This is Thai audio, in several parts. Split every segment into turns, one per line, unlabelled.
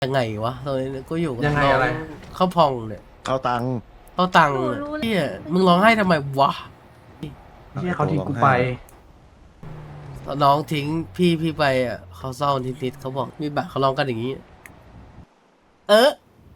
ยังไงวะตอนนี้ก็อยู่กับ
ยังไง
น้อง
อะไร
ข้าวพองเนี่ย
เอาตังค์
เขาตังค์
หนู
เนี่ย
รู้แล้ว
เนี่ยมึงร้องไห้ทำไมวะ
เฮียเขาทิ้งกูไป
น้องทิ้งพี่ไปอ่ะเขาเศร้านิดๆเขาบอกมีบัตรเขาร้องกันอย่างนี้ เออ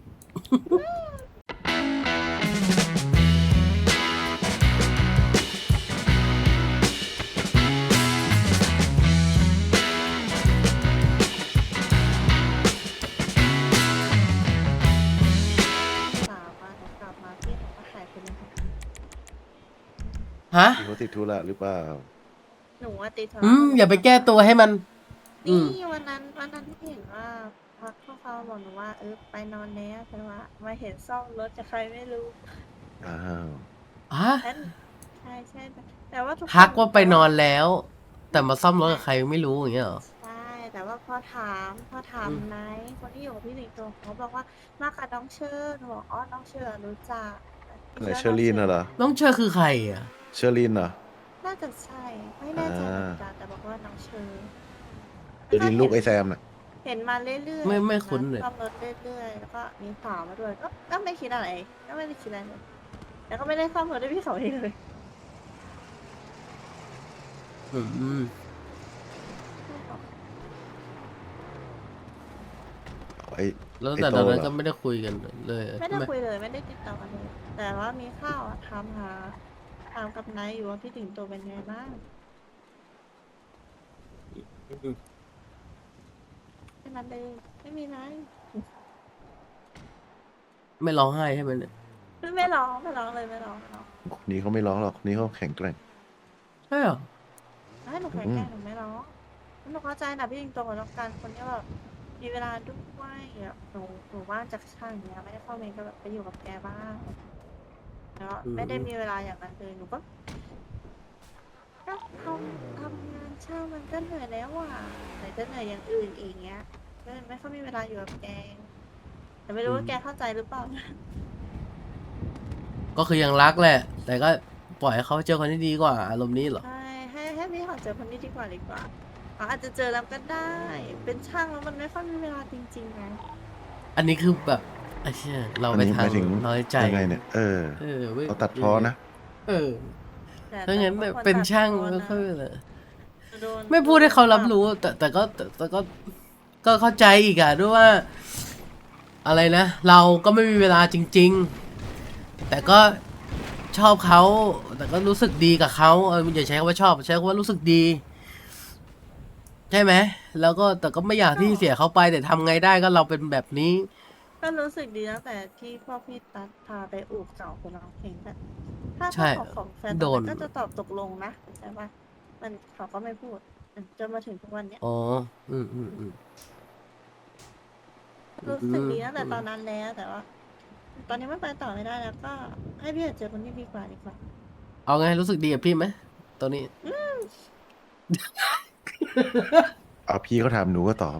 สาวมาหนูกลับมาพี่เขาก็หายไปเลยค่ะ
ฮะ
พี่เขาติดธุระหรือเปล่า
หนูว่าติดโทร
อย่าไปแก้ตัวให้มัน
นี่วันนั้นที่เห็นว่าพักเขาบอกหนูว่าไปนอนแล้วแต่ว่ามาเห็นซ่อมรถจากใครไม่รู้
อ้าว
ฮะ
นั่นใช่แต่ว่าทุกคน
ทักว่าไปนอนแล้ว แต่มาซ่อมรถกับใครไม่รู้อย่างเงี้ยเหรอ
ใช่แต่ว่าพอถามไนท์คนที่อยู่กับพี่หนิงตัวเขาบอกว่ามากับน้องเชิญหนูบอกอ๋อน้องเชิญรู้จัก
ไหนเชอรีนน่ะเหรอ
น้องเชอคือใครอ่ะ
เชอรีนเหรอ
น่าจะใช่ไม่แน่ใจเหมือนกันแต่บอกว่าน้องเชิญ
เชอรีนลูกไอ้แซมน่ะ
เห็นมาเรื่อยๆ
ไม่คุ้นเลย
ซ่อมรถเรื่อยๆแล้วก็มีสาวมาด้วยก็ไม่คิดอะไรก็ไม่ได้คิดอะไรเลยแล้วก็ไม่ได้ซ่อมรถด้วยพี่เขาเองเลย
อืม
ไอ้
แล้ว
ไอ้
แต่
โต
ตอนนั้น
เหร
ก็
อ
ไม่ได้คุยกันเลย
ไม่ได้คุยเลยไม่ได้ติดต่อกันเลยแต่ว่ามีข้าวอะถามกับนายอยู่ว่าพี่ติ๋งโตเป็นไงบ้างแค่นั้นเลยไม่มีอะไร
ไม่ร้องไห้ใช่ไหมเนี่ย
ไม่ร้องเลยไม่ร้อง
คนนี้เขาไม่ร้องหรอกคนนี้เขาแข็งแกร่ง
ใช่เหรอ
ให้หนูแข็งแกร่งหนูไม่ร้องหนูเข้าใจนะพี่ติ๋งโตกับน้องกันคนที่แบบมีเวลาด้วยอะหนูว่างจากช่างเนี้ยไม่ได้เข้าเมนก็แบบไปอยู่กับแกบ้างแล้วไม่ได้มีเวลาอย่างนั้นเลยหนูก็ทำงานช่างมันก็เหนื่อยแล้วอ่ะไหนจะเหนื่อยอย่างอื่นอีกเงี้ยก็เลยไม่ค่อยมีเวลาอยู่กับแกแต่ไม่รู้ว่าแกเข้าใจหรือเปล่านะ
ก็คือยังรักแหละ แต่ก็ปล่อยให้เขาเจอคนที่ดีกว่าอารมณ์นี้เหรอ
ใช่ให้พี่ขอเจอคนนี้ดีกว่าเขาอาจจะเจอแล้วก็ได้ เป็นช่างแล้วมันไม่ค่อยมีเวลาจริงๆไง
อันนี้คือแบบไอ้เชี่ยเรา
อัน
ไป
นี้ห
ทาง
มายถึง
น้อยใจ
ยังไงเนี่ย
เออ
เขาตัดพอนะ
เออ
แต่
ถ้างั้น
บค
เป็นช่าง
ตัด
ไม่
พ้
ค่อย
นะ
เลย
โดน
ไม่พูดให้เขารับรู้ แต่ก็เข้าใจอีกอะด้วยว่า อะไรนะ เราก็ไม่มีเวลาจริง ๆ แต่ก็ชอบเขาแต่ก็รู้สึกดีกับเขาอย่าใช้คำว่าชอบใช้คำว่ารู้สึกดี ใช่ไหมแล้วก็แต่ก็ไม่อยากที่เสียเขาไปแต่ทำไงได้ก็เราเป็นแบบนี้
ก็รู้สึกดีตั้งแต่ที่พ่อพี่ตัดพาไปอู่เก่าคนร้องเพลงแบบถ้า
ใช่
ขอของแฟน
โดน
ก็จะตอบตกลงนะใช่ปะมันเขาก็ไม่พูดจนมาถึงทุกวันเนี้ย
อ๋ออืม
รู้สึกดีตั้งแต่ตอนนั้นแล้วแต่ว่า ตอนนี้มันไปต่อไม่ได้แล้วก็ให้พี่เจอคนที่ดีกว่าดีกว่า
เอาไงรู้สึกดีกับพี่ไหมตอนนี้
เอาพี่เขาถามหนูก็ตอบ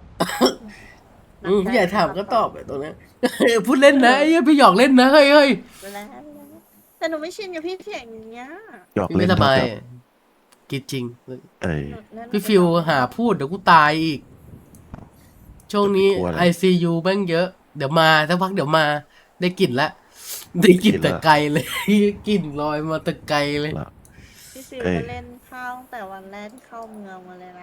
พี่ใหญ่ถามก็ตอบไปตรงนั้น พูดเล่นนะไอ้เหี้ยพี่หยอกเล่นนะเฮ้ย
ไปแล้วแต่หนูไม่ชินกับพี่เสียงอย่างเงี้ย
หยอก
พี่
เล่
ไม่
น
สบาย
เท่ากับ
กิดจริง
เอ้ย
พี่ฟิวหาพูดเดี๋ยวกูตายอีก ช่วงนี้
กลัวอะไร
ICU แม่งเยอะ เดี๋ยวมาสักพักเดี๋ยวมา ได้กลิ่นละได้กลิ่นแต่ไกลเลย กลิ่นลอยมาแต่ไกลเลย
เหรอ
พี่ฟิว
เอ้ย
ก็เล่นเข้าตั้งแต่วันแรกที่เข้าเมืองมาเลยนะ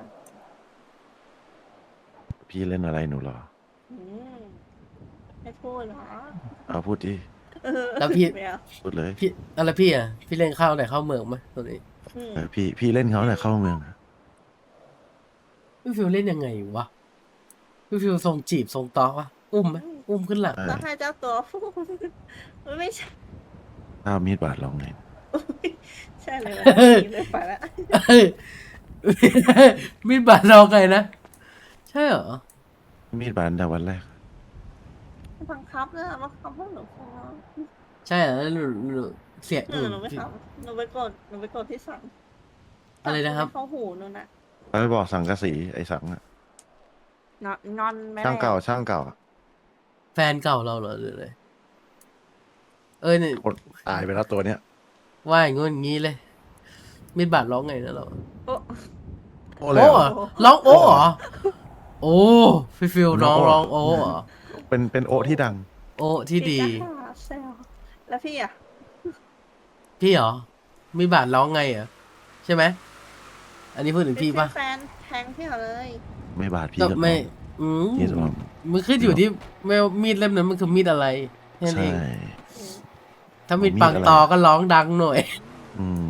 พี่เล่นอะไรหนูเหรอ
อืมไม่พูดเหรอ
เอาพูดดิ
แล้วพี่
ไม่เอา
พูดเลย
พี่อะไรพี่อ่ะพี่เล่นข้าวไหนข้าวเมืองไหมตรงนี้
อืม
พี่เล่นเขาเนี่ยเข้าเมืองอะ
พี่ฟิวเล่นยังไงวะพี่ฟิวทรงจีบทรงตอกวะอุ้มไหมอุ้มขึ้นหลัง
ต้องให้เจ้าตัวพูดไม่ใช่
ถ้ามีดบาดลองไง
ใช่เลยเลยไปแล้ว
เฮ้ย มีดบาดเราไงนะ ใช่เหรอ
มีดบาดแต่วันแรก
บังคับเลยบังคับพวกหนูฟัง
ใช่เหรอแล้วหนูเสียงอื่น
หนูไม่ทำหนูไปกดที่สั่ง
อะไรนะครับ
เข้าหูนู่นน่ะ
ไปบอกสังกะสีไอ้สังอะ
งอนไม่
ช่างเก่าช่างเก่าอะ
แฟนเก่าเราเหรอหรืออะไรเอ้ยนี่
คนตายไปแล้วตัวเนี้ย
ว่าอย่างงู้นอย่างงี้เลย มีดบาดร้องไงนะเรา
โอ้
โอ้เลย
โอ้
เห
เห
ร
ร
อ
อร้องโอ้เหรอโอ้พี่ฟิลน้องร้องโอ้เหรอ
เป็นโอะที่ดัง
โอ้ที่ดี
พี่ก็หาแซวแล้วพี่อ่ะ
พี่เหรอ มีบาทร้องไงเหรอใช่ไหม อันนี้พูดถึงพี่ปะ
แฟนแทงพี่เหรอเลย
ไม่บาดพี่
ก็
จะ
ไม่
บอก
อืม
พี่จะบอก
มันขึ้นอยู่ที่ไม่ว่ามีดเล่มนั้นมันคือมีดอะไรแค่นั้น
ใช่
เอง ถ้ามีดปังตอก็ร้องดังหน่อย
อืม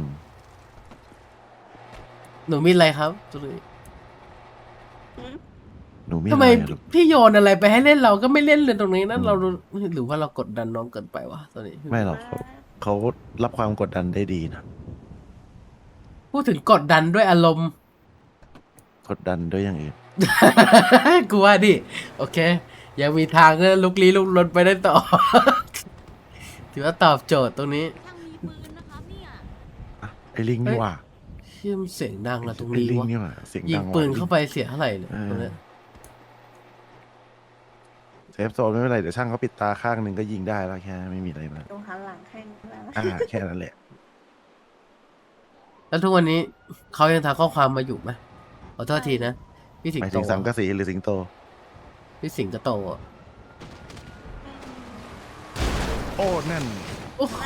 หนูมีดอะไรครับตัวนี้
หนูมี
ทำไม
อะไรอะลูก
พี่โยนอะไรไปให้เล่นเราก็ไม่เล่นเลยตรงนี้นั่นเราหรือว่าเรากดดันน้องเกินไปวะตอนนี้
ไม่หรอกเขารับความกดดันได้ดีนะ
พูดถึงกดดันด้วยอารมณ์
กดดันด้วยอย่างอื่น
กูว่าดิโอเค ยังมีทางเนลุกลี้ลุกลนไปได้ต่อ ถือว่าตอบโจทย์ตรงนี้
ยังมีปืนนะครับเนี่ย
อ่ะไอ้ลิงนี่ว่า
เชื่อมเสียงดังละตรง
ไอ้
นี้
ลิง
วะ
นี่ว่าเสียง
ยิ
ดั
ง
ง
ปืน
ว่ะ
เข้าไปเสียเท่าไหร่เนี่ย
เออ
ตรงเนี้ย
เซฟโซนไม่เป็นไรเดี๋ยวช่างเขาปิดตาข้างหนึ่งก็ยิงได้แล้วแค่ไม่มีอะไรมาก
ตรงหันหลังแข่งแล้ว
แค่นั้นแหละ
แล้วทุกวันนี้เขายังทักข้อความมาอยู่ไหมขอโทษทีนะพี่สิง
หมาย
โต
ถึงสังกะสีหรือสิงโต
พี่สิงโตอะ
โอ้นั่น
โอ้โห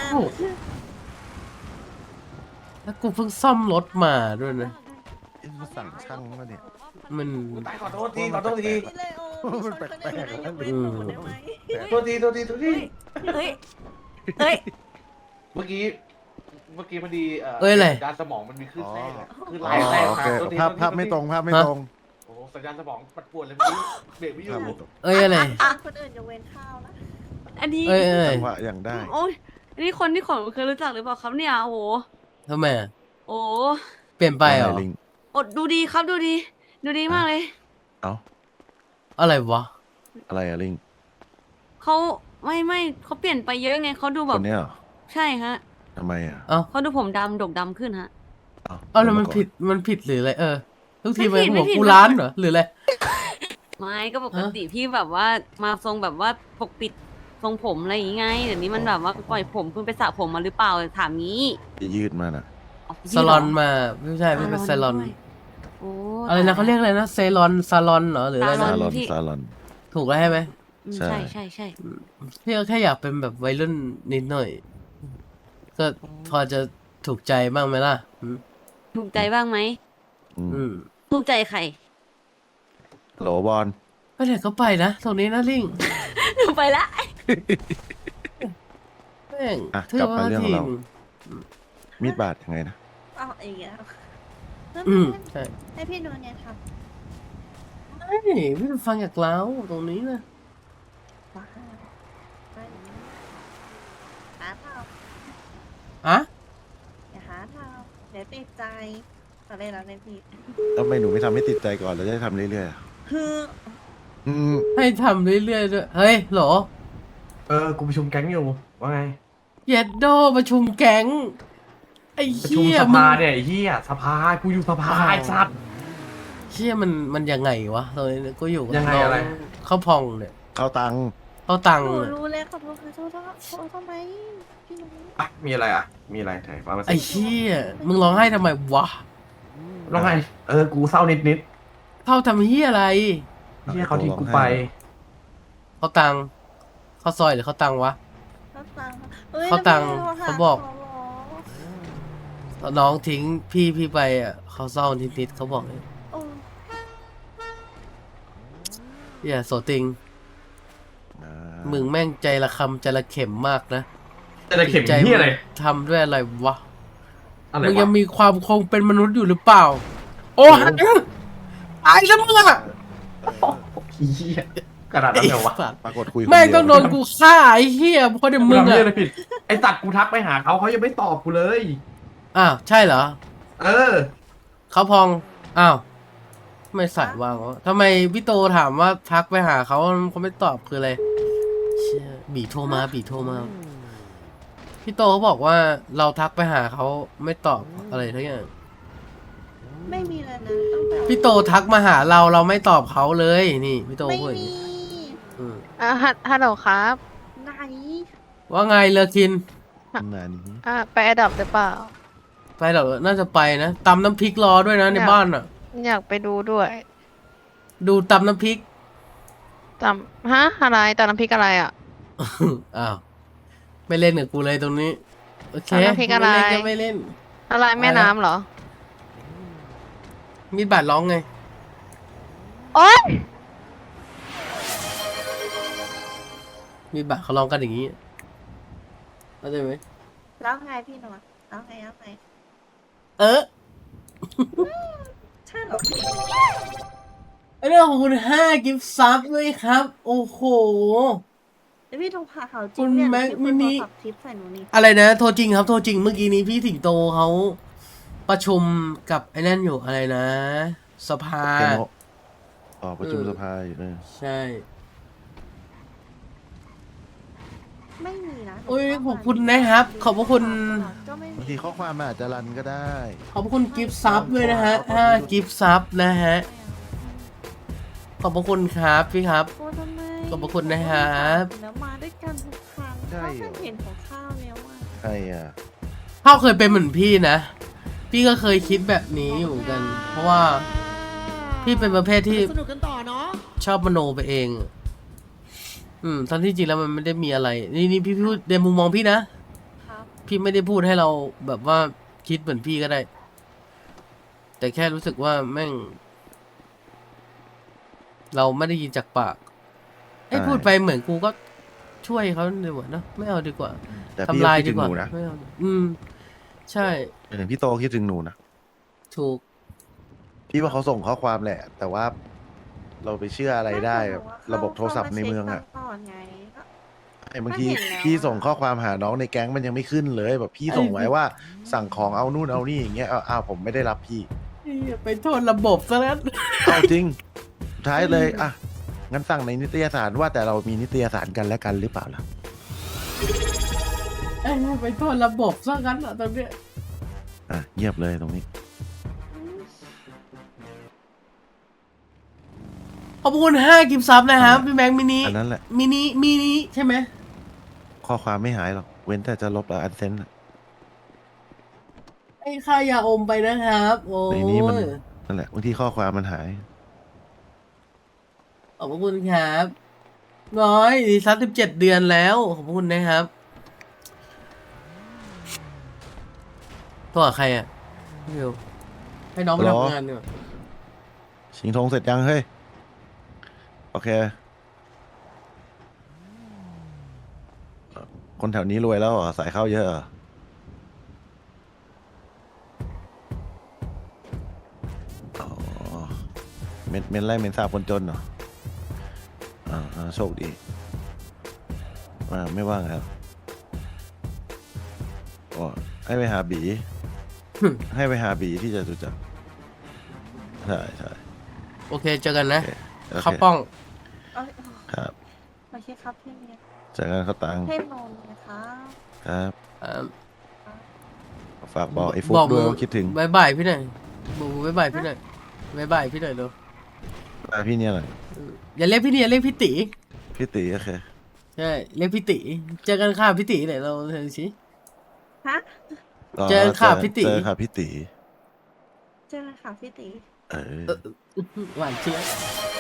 แล้วกูเพิ่งซ่อมรถมาด้วยนะ
เอ๊ะมันสั่งช่างมาเนี่ย
มัน
ขอโทษทีขอโทษที
พี่เลยโอ้พี่ชนคนอื่นได้ยกเว้นหนูได้ไหม
โทษทีโทษทีโทษที
เฮ้ย เฮ้ย
เมื่อกี้พอดี
เอ้ยอะไร
สัญญาณสมองมันมีคลื่นแทรกอะคลื่น
อ๋
ไล่แทร
อก โอ
มา
เค
โทษที
ภาพ
โทษที
ภาพไม่ตรงภาพไม่ตรง
โอ้โหสัญญาณสมองปัดป่วนเลยเมื่อกี้เบรกไม่อยู่
ภาพไม่ตรง
เอ้ยอะไร
คนอื่นยกเว้นข้าวนะ
อันนี้
เอ้ยเอ้ย
จังหวะอย่างได้
โอ้ยอันนี้คนที่ขนเคยรู้จักหรือเปล่าครับเนี่ย โอ้โห
ทำไมอะ
โอ้
เปลี่ยนไปเหรอ
ว่าไงลิง
อดดูดีครับดูดี ดูดีมากเลย
เอ้า
อะไรวะ
อะไรอะลิง
เขาไม่เขาเปลี่ยนไปเยอะไงเขาดูแบ
ค
บ
นเนี้ยเหรอ
ใช่ฮะ
ทำไมอ่ะ
เอ้า
เขาดูผมดำดกดำขึ้นฮะ
เอ้าแล้วมันผิดหรืออะไรทุกที
ไม่
มัน
ผิด
หัว
ไม่ผิด
กูร้านเหรอหรืออะไร
ไม่ก็ปกติพี่แบบว่ามาทรงแบบว่าปกปิดทรงผมอะไรอย่างงี้ไงเดี๋ยวนี้มันแบบว่าปล่อยผมคุณไปสระผมมาหรือเปล่าถามงี้
จะยืดมาน่ะ
อ๋อ
ซาลอนมาไม่ใช่ไม่เป็นซาลอน
ด้วยโอ้
อะไรนะเขาเรียกอะไรนะเซลอนซาลอนเหรอหรืออะไร
ซา
นะ
ลอน
พี่
ซาลอน
ถูกแล้วใช่ไหม
อืม
ใช่
ใช่ใช่ใช่
พี่ก็แค่อยากเป็นแบบวัยรุ่นนิดหน่อย ก็พอจะถูกใจบ้างไหมล่ะอืม
ถูกใจบ้างไหม
อืม
อืม
ถูกใจใคร
โหลบอล
ไปไหนก็ไปนะตรงนี้นะลิง
ไปละ
แม่ง
อ่ะ
เท่
กลับมา
ว่า
เรื่องข
ที
องเรา
ม
มีดบาดยังไงนะ
เอาอีกแล้ว
ใช่
ให้พี่ดูเนี่ยท
เฮ้ยพี่ฟังจากเราตรงนี้นะ
ำว้าวไม่หาท
อะ
ำอย่าหาทำเดี๋ยวติดใจอะไรแล้วเนี่ยพี่
ทำไมหนูไม่ทำให้ติดใจก่อนแล้วจะได้ทำเรื่อยๆอ่ะ
คือ
อืม
ให้ทำเรื่อยๆด้วยเฮ้ยโหล
กูประชุมแก๊งอยู่ว่าไง
เย็ดโดประชุมแก๊งไอ้
ประชุม
เหี้ย
ส
มึ
ภาง เนี่ยไอ้เหี้ยสภากูอยู่สภาไอ้สัตว์
เชี่ยมันยังไงวะตอนนี้กูอยู่กับ
ยังไง
น้อง
อะไร
ข้าวพองเนี่ย
เข้าตังค์
เขาตัง
ห
ค์
นู
เนี่ย
รู้เลยขอโทษทำไมพี่รู้
อ่ะมีอะไรอ่ะมีอะไรไหนฟังมา
ไอ้
สิ
เชี่ยมึงร้องไห้ทำไมวะ
ร้องไงกูเศร้านิด
เขาทำเหี้ยอะไร
ๆเหี้ยเขาทิ้งกูไป
เขาตังค์เขาซอยหรือเขาตังค์วะ
เขาตังค์เอ้ย
เขาตังค์
แล้วพี่
เขาบอก
หร
น้องทิ้งพี่ไปอ่ะเขาเศร้านิดๆเขาบอกเลย
โอ้
อย่าโสติง
อ่า
มึงแม่งใจละคำใจละเข็มมากนะ
จะเข็ม
ใจ
เหี้ยอะไร
ทำด้วยอะไรวะ
อะไร
มึงยั
วะ
งมีความคงเป็นมนุษย์อยู่หรือเปล่า โอ้หันตายซะมึงอะ
เหี้ยขนาดนั้นเลยวะ
สัตว์
ปรากฏคุยคน
แม่ง
เดียว
ต้องโดนกูฆ่าไอ้เหี้ยเพราะเดี๋ยว
มึ
มึ
ง
ง
ทำ
อะ
เหี้ยอะไรผิดไอ้ตัดกูทักไปหาเขายังไม่ตอบกูเลย
อ้าวใช่เหรอ
เออ
เขาพองอ้าวไม่ใส่วางวะทำไมพี่โตถามว่าทักไปหาเขาไม่ตอบคืออะไรเชี่ยบีโทรมาพี่โตเขาบอกว่าเราทักไปหาเขาไม่ตอบอะไรทั้งอย่าง
ไม่มีเลยนะตั้งแต่
พี่โตทักมาหาเราไม่ตอบเขาเลยนี่พี่โต
ไม่
พูดอย่าง
มี
นี้อืม
ฮัลโหลครับ
ไหน
ว่าไงเลอคิน
นานนี้
ไปอดอปหรือเปล่า
ไปเหรอน่าจะไปนะตำน้ำพริกรอด้วยนะในบ้านอ่ะ
อยากไปดูด้วย
ดูตำน้ำพริก
ตำฮะอะไรตำน้ำพริกอะไรอ่ะ
อ้าวไม่เล่นกับกูเลยตรงนี้โอเค
ตำน้ำพริกอะไร
ม่เล่นก็ไม่เล่น
อะไรแม่น้ำเหรอ
มีดบาดร้องไง
โอ๊ย
มีดบาดเขาร้องกันอย่างนี้เข้าใจไหม
แล้วไงพี่หนวดแล้วไง ใช่เหรอพี่
ไอเรื่องของคุณ5กิฟต์ซับด้วยครับ โอ้โห
แล้วพี่โทรพาเขาจ
คุ
ริง
ณ
เนี่ย
แม็ก
พี่
มิ
คน
นิ
โทรขับทิปใส่หนูนี่
อะไรนะ โทรจริงครับ โทรจริง เมื่อกี้นี้พี่สิงโตเขาประชุมกับไอ้นั่นอยู่อะไรนะ สภา
เคนโนะประชุมสภาอยู่เลย
ใช่
ไม่มีนะ
โอ้ยขอบคุณนะครับขอบพระคุณ
ก็ไม่
บาง
มี
ทีข้อความมันอาจจะรันก็ได้
ขอบคุณกิฟต์ซับด้วยนะฮะ5กิฟต์ซับนะฮะ ขอบพระคุณครับพี่ครับ
โอ้ทำไม
ขอบพระคุณนะครับ
แล้วมาด้วยกันทุกครั้ง
ใช่
ก็
เหรอ
เห็นของข้าวแล้วอ่ะ
ใครอ่ะ
ข้าวเคยเป็นเหมือนพี่นะ พี่ก็เคยคิดแบบนี้อยู่เหมือนกัน เพราะว่าพี่เป็นประเภทที่
สนุกกันต่อเนาะ
ชอบมโนไปเอง ทั้งที่จริงแล้วมันไม่ได้มีอะไร นี่พี่พูดในมุมมองพี่นะ
ครับ
พี่ไม่ได้พูดให้เราแบบว่าคิดเหมือนพี่ก็ได้ แต่แค่รู้สึกว่าแม่ง เราไม่ได้ยินจากปากไอ้ย
ใช่
พูดไปเหมือนกูก็ช่วยเขาดีกว่านะไม่เอาดีกว่า
แต่พี่
ทำ
ก็
ลาย
คิด
ดี
ถึง
กว่า
หนูนะ
ไม่เอาใช่
อย่างพี่โตคิดถึงหนูนะ
ถูก
พี่ว่าเขาส่งข้อความแหละ แต่ว่าเราไปเชื่ออะไรได้แบบระบบโทรศัพท์ในเมืองอ่ะ
ข้ามาเช็คก่อนไงก็
ไอ้บางที
ก็เห็นแล้ว
พี่ส่งข้อความหาน้องในแก๊งมันยังไม่ขึ้นเลย แบบพี่ส่งไว้ว่าสั่งของเอานู่นเอานี่อย่างเงี้ยอ้าวผมไม่ได้รับพี่
ไปโทษระบบซะแล้ว
เอาจริงสุดท้ายเลยอ่ะงั้นสั่งในนิตยสารว่าแต่เรามีนิตยสารกันและกันหรือเปล่าล่ะ
ไปโทษระบบซะงั้นอะตอนเนี้ย
อ่ะเงียบเลยตรงนี้
ขอบคุณ5กิฟต์ซับนะครับพี่แบงค์มินิ
อันนั้นแหละ
มินิใช่ไหม
ข้อความไม่หายหรอกเว้นแต่จะลบอันเซน
ไอ้ค่ายาอมไปนะครับ โอ้
ในนี้มัน
ย
นั่นแหละบางทีข้อความมันหาย
ขอบคุณครับน้อยดีซับ17 เดือนแล้ว ขอบคุณนะครับตัวใครอ่ะพี่วิวให้น้องไป
หรอ
ทำงานดีกว่า
ชิงธงเสร็จยังเฮ้ย โอเค คนแถวนี้รวยแล้วเหรอสายเข้าเยอะเหรออ๋อเม็นไล่เม็นทราบคนจนเหรอโชคดีไม่ว่างครับอ๋อให้ไปหาบี ให้ไปหาบีที่จะจุจักรใช่
โอเคเจอกันนะ
โอเค
ข้าวป้อง
เอ้ย
ครับ
โอเคครับพี่เมีย
เจอกันเขาตังค์
เทพนนท์นะครับ
ครับ
อ่า
ฝากบอกไอ้ฟุก
บอก
ด้วย
มึง
ว่าคิดถึง
บายพี่หน่อยบอกมึงบายพี่หน่อยบายพี่หน่อยเร็ว
พี่เนี่ยหน่อย
อย่าเรียกพี่เนี่ยเรียกพี่ตี
พี่ตีโอเค
ใช่เรียกพี่ตีเจอกันค่ะพี่ตีไหนเราเห็นสิ
ฮะ
เจอค่ะพี่ตี
เจอค่ะพี่ตี
เจอกันค่ะพี่ตี
เออ
หวานเชียบ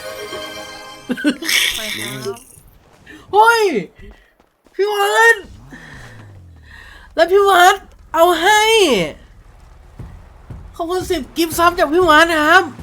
ไปครับ
เฮ้ยพี่วัดแล้วพี่วัดเอาให้ขอบคุณ10 กิฟต์ซับจากพี่วัดนะครับ